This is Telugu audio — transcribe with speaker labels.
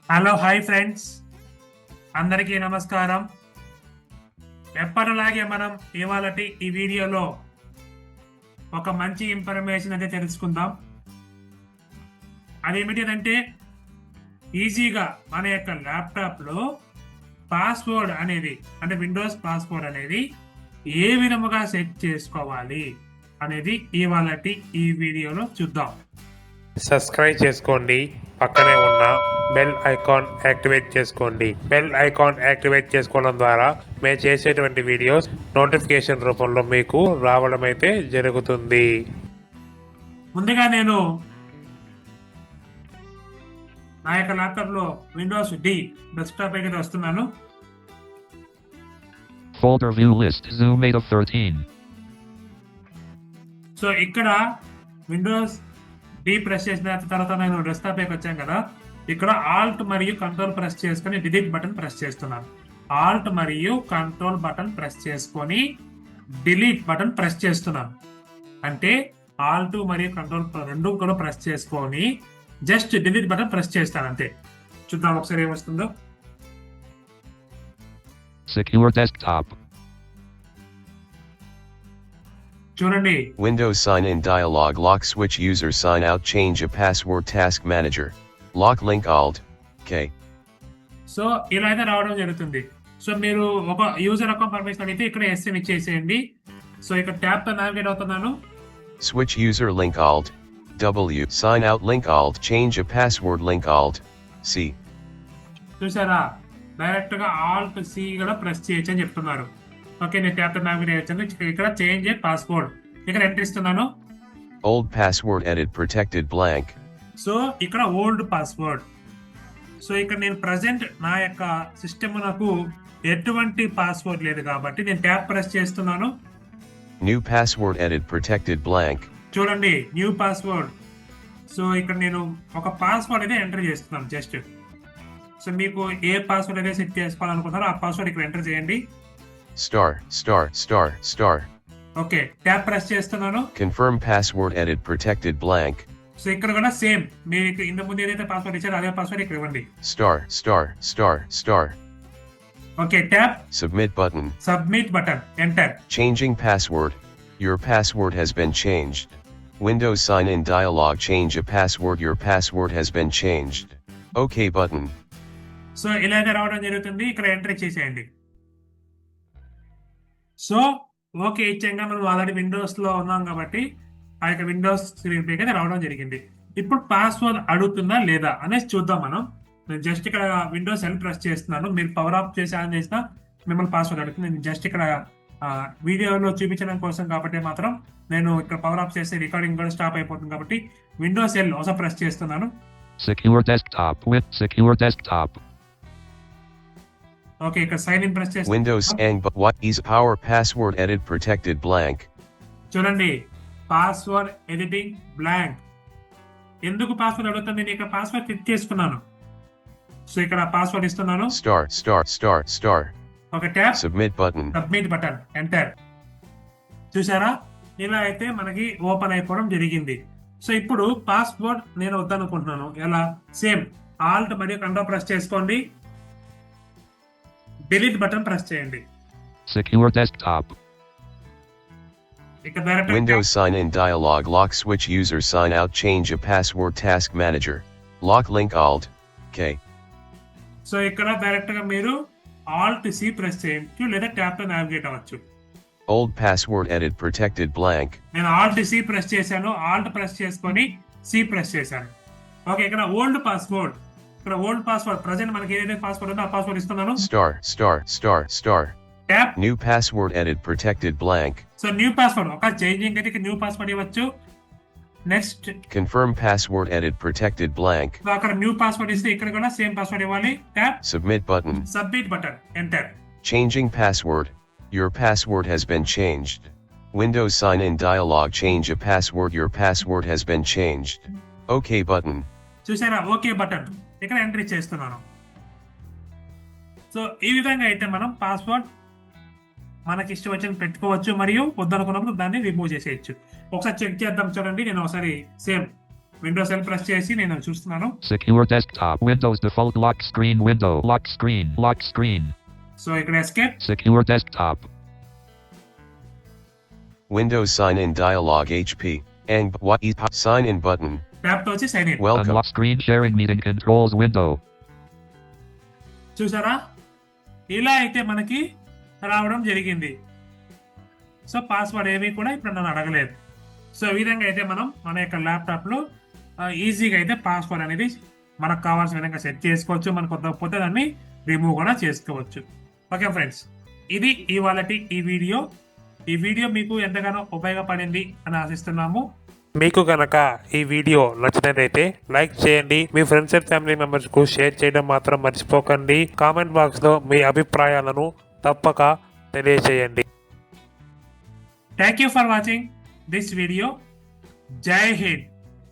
Speaker 1: హలో హాయ్ ఫ్రెండ్స్, అందరికీ నమస్కారం. ఎప్పటిలాగే మనం ఇవాళటి ఈ వీడియోలో ఒక మంచి ఇన్ఫర్మేషన్ అయితే తెలుసుకుందాం. అదేమిటంటే ఈజీగా మన యొక్క ల్యాప్టాప్లో పాస్వర్డ్ అనేది అంటే విండోస్ పాస్వర్డ్ అనేది ఏ విధముగా సెట్ చేసుకోవాలి అనేది ఇవాళటి ఈ వీడియోలో చూద్దాం. సబ్స్క్రైబ్ చేసుకోండి, పక్కనే ఉన్న బెల్ ఐకాన్ యాక్టివేట్ చేసుకోండి. బెల్ ఐకాన్ యాక్టివేట్ చేసుకోవడం ద్వారా మేము చేసేటువంటి వీడియోస్ నోటిఫికేషన్ రూపంలో మీకు రావడం అయితే జరుగుతుంది. ముందుగా నేను నా యొక్క ల్యాప్టాప్లో విండోస్ డి డెస్క్టాప్ అయితే వస్తున్నాను.
Speaker 2: Folder view list Zoom 8 of 13.
Speaker 1: So ఇక్కడ విండోస్ డి ప్రెస్ చేసిన తర్వాత నేను డెస్క్టాప్ పైకి వచ్చాను కదా, ఇక్కడ ఆల్ట్ మరియు కంట్రోల్ ప్రెస్ చేసుకొని డిలీట్ బటన్ ప్రెస్ చేస్తున్నాను. ఆల్ట్ మరియు కంట్రోల్ బటన్ ప్రెస్ చేసుకొని డిలీట్ బటన్ ప్రెస్ చేస్తున్నాను. అంటే ఆల్ట్ మరియు కంట్రోల్ రెండు కూడా ప్రెస్ చేసుకొని జస్ట్ డిలీట్ బటన్ ప్రెస్ చేస్తాను అంతే. చూద్దాం ఒకసారి ఏమొస్తుందో.
Speaker 2: Secure desktop.
Speaker 1: చూడండి,
Speaker 3: Windows sign in dialog lock switch user sign out change a password task manager. Lock link alt K.
Speaker 1: So ఇలా అయితే రావడం జరుగుతుంది. సో మీరు ఒక యూజర్ అకౌంట్ పర్మిషన్ అడిగితే ఇక్కడ ఎస్ అని ఇచ్చేసేయండి. సో ఇక్కడ ట్యాబ్ తో నావిగేట్ అవుతున్నాను.
Speaker 3: Switch user link alt W sign out link alt change a password link alt C.
Speaker 1: చూసారా, డైరెక్ట్ గా ఆల్ట్ సి కూడా ప్రెస్ చేయొచ్చు అని చెప్తున్నారు. ఓకే, నేను ట్యాబ్ తో నావిగేట్ చేయొచ్చు. ఇక్కడ చేంజ్ ఏ పాస్వర్డ్ ఇక్కడ ఎంటర్ ఇస్తున్నాను.
Speaker 3: Old password edit protected blank.
Speaker 1: So ఇక్కడ ఓల్డ్ పాస్వర్డ్. సో ఇక్కడ నేను ప్రజెంట్ నా యొక్క సిస్టమ్ నాకు ఎటువంటి పాస్వర్డ్ లేదు కాబట్టి నేను ట్యాబ్ ప్రెస్ చేస్తున్నాను.
Speaker 3: New password edit protected blank.
Speaker 1: చూడండి, న్యూ పాస్వర్డ్. సో ఇక్కడ నేను ఒక పాస్వర్డ్ అయితే ఎంటర్ చేస్తున్నాను జస్ట్. సో మీకు ఏ పాస్వర్డ్ అయితే సెట్ చేసుకోవాలనుకుంటారో ఆ పాస్వర్డ్ ఇక్కడ ఎంటర్ చేయండి.
Speaker 3: Star.
Speaker 1: ఓకే, ట్యాబ్ ప్రెస్ చేస్తున్నాను.
Speaker 3: Confirm password edit protected blank.
Speaker 1: So ఇక్కడ కూడా సేమ్ మీకు ఇంత ముందు ఏదైతే పాస్వర్డ్ ఇచ్చారో అదే పాస్వర్డ్ ఇక్కడ ఇవ్వండి.
Speaker 3: Star.
Speaker 1: Okay, tab
Speaker 3: Submit button.
Speaker 1: Submit button enter.
Speaker 3: Changing password. Your password has been changed. Windows sign in dialog change a password. Your password has been changed. OK button.
Speaker 1: So ఇలాగే రావడం జరుగుతుంది. ఇక్కడ ఎంటర్ చేసేయండి. సో ఓకే ఇచ్చాక మనం ఆల్రెడీ విండోస్ లో ఉన్నాం కాబట్టి ఆ యొక్క విండోస్ స్క్రీన్ పైకి అయితే రావడం జరిగింది. ఇప్పుడు పాస్వర్డ్ అడుగుతుందా లేదా అనేది చూద్దాం మనం. నేను జస్ట్ ఇక్కడ విండోస్ ఎల్ ప్రెస్ చేస్తున్నాను. మీరు పవర్ ఆఫ్ చేసి ఆన్ చేసినా మిమ్మల్ని పాస్వర్డ్ అడుగుతుంది. నేను జస్ట్ ఇక్కడ వీడియోలో చూపించడం కోసం కాబట్టి మాత్రం నేను ఇక్కడ పవర్ ఆఫ్ చేస్తే రికార్డింగ్ కూడా స్టాప్ అయిపోతుంది కాబట్టి విండోస్ ఎల్ ఒకసారి ప్రెస్ చేస్తున్నాను.
Speaker 2: Secure desktop with secure desktop.
Speaker 1: Okay, ఇక్కడ సైన్ ఇన్ ప్రెస్ చేస్తాను.
Speaker 3: Windows and but what is power password edit protected blank.
Speaker 1: చూడండి, పాస్వర్డ్ ఎడిటింగ్ బ్లాంక్. ఎందుకు పాస్వర్డ్ అడుగుతుంది? నేను ఇక్కడ పాస్వర్డ్ క్లిక్ చేసుకున్నాను. సో ఇక్కడ పాస్వర్డ్ ఇస్తున్నాను.
Speaker 3: Star.
Speaker 1: ఒక tab
Speaker 3: Submit button.
Speaker 1: Submit button enter. చూసారా, ఇలా అయితే మనకి ఓపెన్ అయిపోవడం జరిగింది. సో ఇప్పుడు పాస్వర్డ్ నేను వద్దనుకుంటున్నాను. ఎలా? సేమ్ ఆల్ట్ మరియు కంట్రోల్ ప్రెస్ చేసుకోండి, డిలీట్ బటన్ ప్రెస్ చేయండి.
Speaker 2: Secure desktop.
Speaker 1: ఇక్కడ direct
Speaker 3: Windows sign in dialog lock switch user sign out change a password task manager. Lock link alt K.
Speaker 1: So ఇక్కడ డైరెక్ట్ గా మీరు ఆల్ట్ సి ప్రెస్ చేయొచ్చు లేదా ట్యాబ్ తో నావిగేట్ అవ్వచ్చు.
Speaker 3: Old password edit protected blank.
Speaker 1: నేను ఆల్ట్ సి ప్రెస్ చేశాను. ఆల్ట్ ప్రెస్ చేసుకొని సి ప్రెస్ చేశాను. ఓకే, ఇక్కడ ఓల్డ్ పాస్వర్డ్. ఇక్కడ ఓల్డ్ పాస్వర్డ్ ప్రజెంట్ మనకి ఏదైతే పాస్వర్డ్ ఉందో ఆ పాస్వర్డ్ ఇస్తున్నాను.
Speaker 3: Star.
Speaker 1: Tab.
Speaker 3: New password edit protected blank.
Speaker 1: So new password ఒక చేంజింగ్ అయితే న్యూ పాస్వర్డ్ ఇవ్వచ్చు. Next
Speaker 3: Confirm password edit protected blank.
Speaker 1: అక్కడ న్యూ పాస్వర్డ్ ఇస్తే ఇక్కడ కూడా సేమ్ పాస్వర్డ్ ఇవ్వాలి. Tab
Speaker 3: Submit button.
Speaker 1: Submit button enter.
Speaker 3: Changing password. Your password has been changed. Windows sign in dialog change a password. Your password has been changed. OK button.
Speaker 1: చూసారా, ఓకే బటన్ ఇక్కడ ఎంట్రీ చేస్తున్నాను. సో ఈ విధంగా అయితే మనం పాస్వర్డ్ మనకి ఇష్టం వచ్చిన పెట్టుకోవచ్చు మరియు వద్దనుకున్నప్పుడు దాన్ని రిమూవ్ చేసేయచ్చు. ఒకసారి చెక్ చేద్దాం. చూడండి, నేను ఒకసారి సేమ్ విండోస్ ఎల్ ప్రెస్ చేసి నేను చూస్తున్నాను.
Speaker 2: Secure desktop. Windows default lock screen window. Lock screen. Lock screen.
Speaker 1: So ఇక్కడ escape.
Speaker 2: Secure desktop.
Speaker 3: Windows sign in dialog HP. And what is sign in button.
Speaker 1: Tab తో వచ్చి sign in.
Speaker 3: Welcome.
Speaker 2: Unlock screen sharing meeting controls window.
Speaker 1: చూసారా, ఇలా అయితే మనకి రావడం జరిగింది. సో పాస్వర్డ్ ఏమీ కూడా ఇప్పుడు నన్ను అడగలేదు. సో ఈ విధంగా అయితే మనం మన యొక్క ల్యాప్టాప్లో ఈజీగా అయితే పాస్వర్డ్ అనేది మనకు కావాల్సిన విధంగా సెట్ చేసుకోవచ్చు. మనకు కొత్తకపోతే దాన్ని రిమూవ్ కూడా చేసుకోవచ్చు. ఓకే ఫ్రెండ్స్, ఇది ఇవాళటి ఈ వీడియో మీకు ఎంతగానో ఉపయోగపడింది అని ఆశిస్తున్నాము.
Speaker 4: మీకు కనుక ఈ వీడియో నచ్చినట్లయితే లైక్ చేయండి, మీ ఫ్రెండ్స్ అండ్ ఫ్యామిలీ మెంబర్స్ కు షేర్ చేయడం మాత్రం మర్చిపోకండి. కామెంట్ బాక్స్ లో మీ అభిప్రాయాలను తప్పక తెలియజేయండి.
Speaker 1: Thank you for watching this video. జై హింద్.